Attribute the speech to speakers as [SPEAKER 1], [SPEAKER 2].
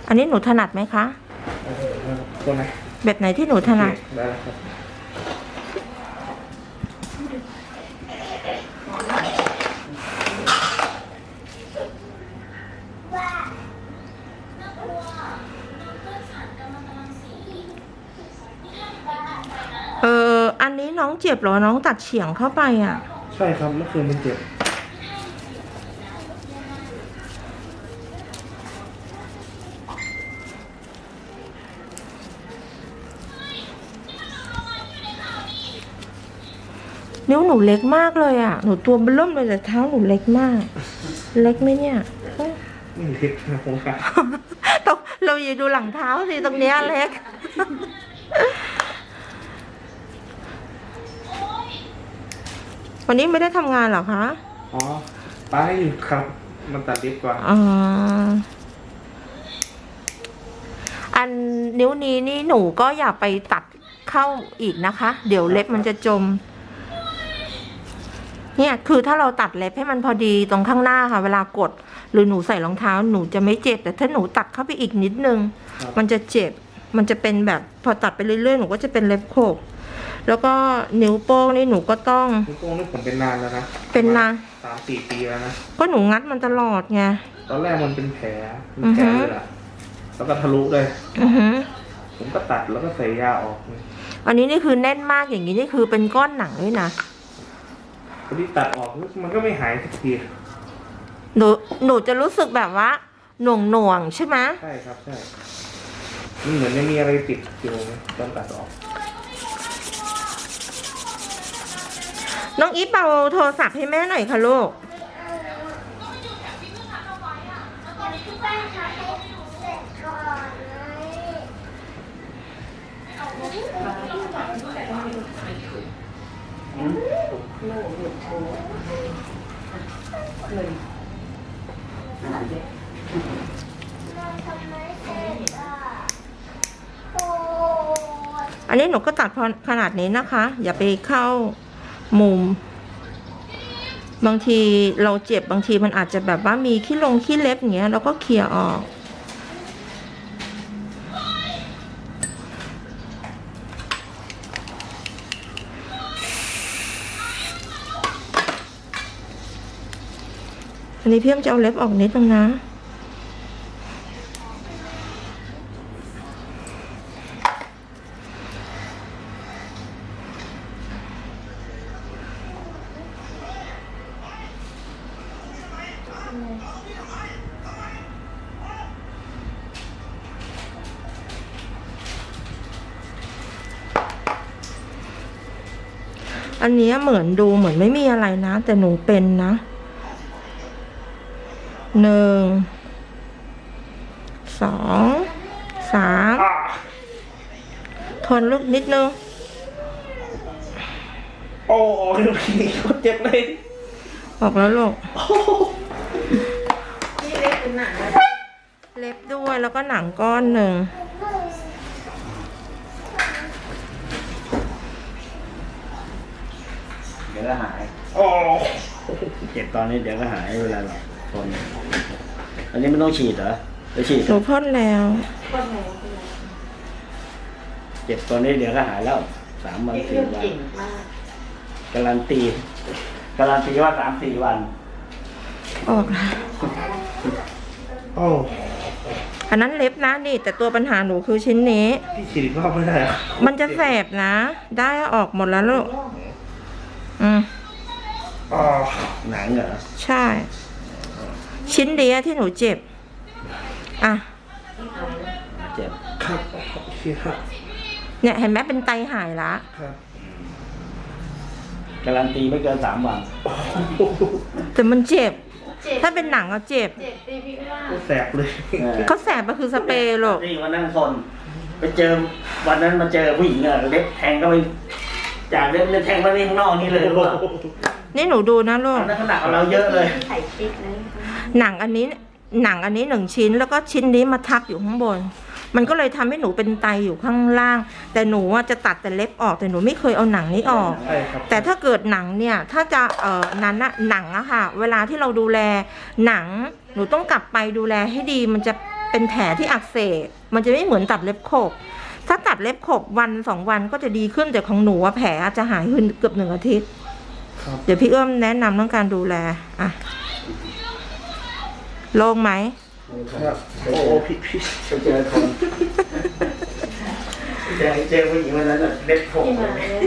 [SPEAKER 1] อันนี้หนูถนัดไหมคะ
[SPEAKER 2] ตัวไหน
[SPEAKER 1] แบบไหนที่หนูถนัด
[SPEAKER 2] ได้ครับ
[SPEAKER 1] อันนี้น้องเจ็บเหรอน้องตัดเฉียงเข้าไปอ่ะ
[SPEAKER 2] ใช่ครับเมื่อคืนมันเจ็บ
[SPEAKER 1] นิ้วหนูเล็กมากเลยอ่ะหนูตัวเบิ่มเลยแต่เท้าหนูเล็กมากเล็กไหมเนี่ย
[SPEAKER 2] ไม่เล็กนะผมค่ะ
[SPEAKER 1] ต้องเราอยู่ดูหลังเท้าสิตรงเนี้ยเล็กวันนี้ไม่ได้ทำงานเหรอคะ
[SPEAKER 2] อ๋อไปครับมันตัดเล็บกว่า
[SPEAKER 1] อันนิ้วนี้นี่หนูก็อย่าไปตัดเข้าอีกนะคะเดี๋ยวเล็บมันจะจมเนี่ยคือถ้าเราตัดเล็บให้มันพอดีตรงข้างหน้าค่ะเวลากดหรือหนูใส่รองเท้าหนูจะไม่เจ็บแต่ถ้าหนูตัดเข้าไปอีกนิดนึงมันจะเจ็บมันจะเป็นแบบพอตัดไปเรื่อยๆหนูก็จะเป็นเล็บโขกแล้วก็นิ้วโป้งนี่หนูก็ต้อง
[SPEAKER 2] นิ้วโป้งนี่ผมเป็นนานแล้วนะ
[SPEAKER 1] เป็นนาน
[SPEAKER 2] 3-4 ปีแล้วนะ
[SPEAKER 1] ก็หนูงัดมันตลอดไง
[SPEAKER 2] ตอนแรกมันเป็นแผลเลยล่ะแล้วก็ทะลุเลยผมก็ตัดแล้วก็ใส่ยาออก
[SPEAKER 1] อันนี้นี่คือแน่นมากอย่างนี้นี่คือเป็นก้อนหนังด้วยนะ
[SPEAKER 2] พอดีตัดออกมันก็ไม่หายสักที
[SPEAKER 1] หนูจะรู้สึกแบบว่าหน่วงใช่ไหม
[SPEAKER 2] ใช่ครับใช่มันเหมือนไม่มีอะไรติดอยู่ตอนตัดออก
[SPEAKER 1] น้องอีฟเอาโทรศัพท์ให้แม่หน่อยค่ะลูกอันนี้หนูก็ตัดพอขนาดนี้นะคะอย่าไปเข้ามุมบางทีเราเจ็บบางทีมันอาจจะแบบว่ามีขี้เล็บอย่างเงี้ยเราก็เคลียร์ออกอันนี้พี่จะเอาเล็บออกนิดนึงนะอันนี้เหมือนดูเหมือนไม่มีอะไรนะแต่หนูเป็นนะ1 2 3ทนลูกนิดนึง
[SPEAKER 2] โอ้ยเจ็บเลย
[SPEAKER 1] ออกแล้วลูกนี่เล็บเป็นหนังเล็บด้วยแล้วก็หนังก้อนหนึ่ง
[SPEAKER 3] เดี๋ยวก็หายเจ็บตอนนี้เดี๋ยวก็หายเวลาเราพ่นอันนี้ไม่ต้องฉีดเหรอไปฉีด
[SPEAKER 1] หนูพ่นแล้ว
[SPEAKER 3] เจ็บตอนนี้เดี๋ยวก็หายแล้ว3 วัน 4 วันการันตีว่า3-4 วัน
[SPEAKER 1] ออกแล้วอันนั้นเล็บนะนี่แต่ตัวปัญหาหนูคือชิ้นนี้
[SPEAKER 2] พี่ฉีดอีกรอบไม่ได้
[SPEAKER 1] มันจะแสบนะได้ออกหมดแล้วลูก
[SPEAKER 3] หนังเหรอ
[SPEAKER 1] ใช่ชิ้นเดียวที่หนูเจ็บอ่ะ
[SPEAKER 3] เจ็บ
[SPEAKER 2] ครับโอเคครับ
[SPEAKER 1] เนี่ยเห็นไหมเป็นไตหายละ
[SPEAKER 2] ครับ
[SPEAKER 3] การันตีไม่เกิน3 วัน
[SPEAKER 1] แต่มันเจ็บถ้าเป็นหนังอะเจ็บ
[SPEAKER 2] แสบเลย
[SPEAKER 1] เขาแสบก็คือสเปรย์ลูก
[SPEAKER 3] นี่วันนั้นคนไปเจอวันนั้นมาเจอผู้หญิงอะเล็บแทงก็ไปจากเล็บแทงมาที่ข้างนอกนี่เลยรู้ป่ะ
[SPEAKER 1] นี่หนูดูนะลูก
[SPEAKER 3] นั่นขนาดเราเยอะเลย
[SPEAKER 1] หนังอันนี้1 ชิ้นแล้วก็ชิ้นนี้มาทับอยู่ข้างบนมันก็เลยทำให้หนูเป็นไตอยู่ข้างล่างแต่หนูจะตัดแต่เล็บออกแต่หนูไม่เคยเอาหนังนี้ออกแต่ถ้าเกิดหนังเนี่ยถ้าจะนั้นอะหนังอะค่ะเวลาที่เราดูแลหนังหนูต้องกลับไปดูแลให้ดีมันจะเป็นแผลที่อักเสบมันจะไม่เหมือนตัดเล็บขบถ้าตัดเล็บขบวัน2 วันก็จะดีขึ้นแต่ของหนูอะแผลอาจจะหายขึ้นเกือบ1 อาทิตย์
[SPEAKER 2] ครับ
[SPEAKER 1] เดี๋ยวพี่เอื้อมแนะนำเรื่องการดูแลอ่ะโล่งไหม
[SPEAKER 2] ครับโอ้พี่
[SPEAKER 3] ไปเจอคนเจอผู้หญิงวันนั้นน่ะเล็บผม